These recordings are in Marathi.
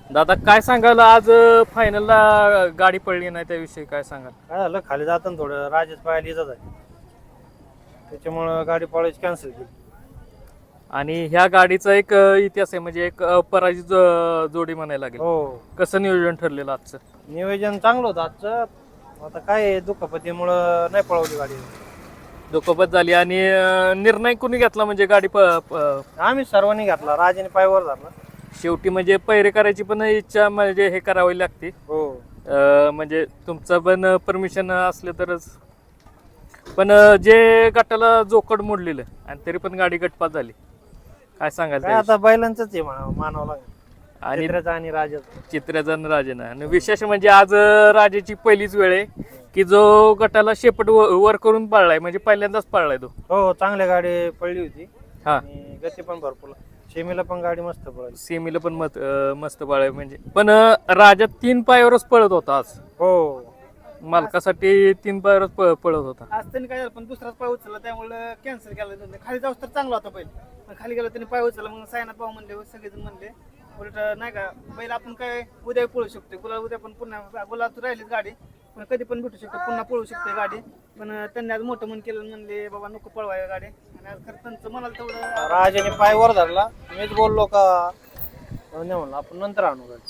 दादा काय सांगाल आज फायनलला गाडी पडली नाही त्याविषयी काय सांगाल? काय झालं खाली जाताना थोडं राजेश पाहायला येतच आहे, त्याच्यामुळं गाडी पळायची कॅन्सल केली. आणि ह्या गाडीचा एक इतिहास आहे, म्हणजे एक अपराजित जोडी म्हणायला लागेल. हो, कसं नियोजन ठरलेलं आजचं? नियोजन चांगलं होतं आजचं. आता काय दुखापतीमुळं नाही पळवली गाडी. दुखापत झाली आणि निर्णय कोणी घेतला म्हणजे गाडी आम्ही सर्वांनी घातला, राजाने पायवर धरला. शेवटी म्हणजे पैरे करायची पण इच्छा म्हणजे हे करावी लागते. हो, म्हणजे तुमचं पण परमिशन असले तरच. पण जे गटाला जोकड मोडलेलं आणि तरी पण गाडी गटपात झाली, काय सांगाल काय त्याविषयी? आता बैलांचंच आहे मानावं लागेल, आणि चित्राचं आणि राजाचं. चित्रजन राजेनं. आणि विशेष म्हणजे आज राजाची पहिलीच वेळ आहे की जो गटाला शेपट वर करून पळलाय, म्हणजे पहिल्यांदाच पळलाय तो. हो, चांगली गाडी पडली होती हा, आणि गती पण भरपूर. शेमीला पण गाडी मस्त पळाली. सेमीला पण मस्त पळाय म्हणजे. पण राजा 3 पायावरच पळत होता आज, हो, मालकासाठी 3 पायावरच पळत होता. आज त्यांनी काय झालं, पण दुसराच पाय उचलला त्यामुळे कॅन्सल केला त्यांनी. खाली जाऊस तर चांगला होता बैल, पण खाली गेला त्यांनी पाय उचलला. मग सायनाथ भाऊ म्हणले, सगळेजण म्हणले उलट नाही का बैल आपण काय उद्या पळू शकतो, गुलाल उद्या पण पुन्हा गुलाल तू राहिलीच गाडी, पण कधी पण भेटू शकतो, पुन्हा पळू शकते गाडी. पण त्यांनी आज मोठं मन केलं, म्हणले बाबा नको पळवाय गाडी. आणि आज खरं त्यांचं म्हणाल तेवढं राजाने पायवर धरला. मीच बोललो का नाही म्हणलं आपण नंतर आणू गाडी.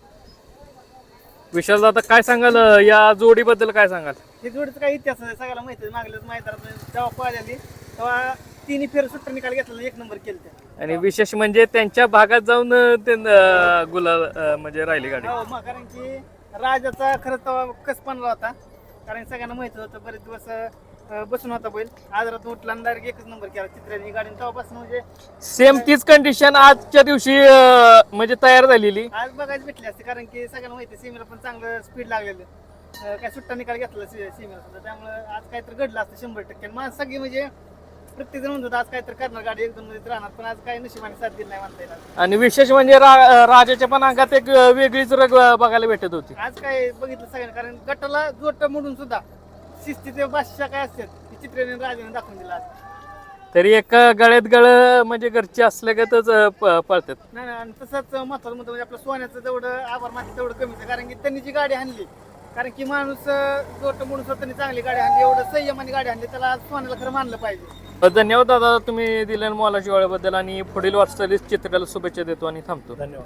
विशाल दादा काय सांगाल या जोडीबद्दल, काय सांगाल? हे जोडीचं काय इतिहास आहे सगळ्याला माहिती आहे. मागल्याच मैदानात जेव्हा पळाली तेव्हा तिन्ही फेर सुट्टा निकाल घेतला, 1 नंबर केलं त्या. आणि विशेष म्हणजे त्यांच्या भागात जाऊन गुलाल म्हणजे राहिली गाडी. हो, मग कारण की राजाचा खरं तेव्हा कस बनला होता, कारण सगळ्यांना माहित होतं बरेच दिवस बसून होता बैल. आजारात उठला आणि डायरेक्ट 1 नंबर केला चित्राने गाडी. तेव्हापासून म्हणजे सेम तीच कंडिशन आजच्या दिवशी म्हणजे तयार झालेली. आज बघायला भेटली असते, कारण की सगळ्यांना माहिती सीमेला पण चांगलं स्पीड लागलेलं. काय सुट्टा निकाल घेतला सीमेला सुद्धा, त्यामुळे आज काहीतरी घडलं असतं 100%. मग सगळी म्हणजे प्रत्येक जण म्हणतो आज काहीतरी करणार गाडी, 1-2 मध्ये राहणार, पण आज काही नशिबाने साथ दिली नाही म्हणता येईल. आणि विशेष म्हणजे राजाच्या पण अंगात एक वेगळीच रग बघायला भेटत होती. आज काय बघितलं सगळ्यांनी, कारण गटाला जोट म्हणून सुद्धा शिस्तीचे बादशाह काय असतात ते चित्रेने राजाने दाखवून दिला आज. तरी एका गळ्यात गळ म्हणजे घरचे असल्यागतच पळतात. नाही आणि तसंच महत्वाचं मुद्दा म्हणजे आपलं सोन्याचं जेवढं आभार मानते तेवढं कमीच आहे, कारण की त्यांनी जी गाडी आणली, कारण की माणूस जोट म्हणून स्वतःनी चांगली गाडी आणली, एवढं संयमाने गाडी आणली, त्याला सोन्याला खरं मानलं पाहिजे. धन्यवाद दादा तुम्ही दिलेल्या मोलाच्या वेळेबद्दल, आणि पुढील वाटचालीस चित्राला शुभेच्छा देतो आणि थांबतो. धन्यवाद.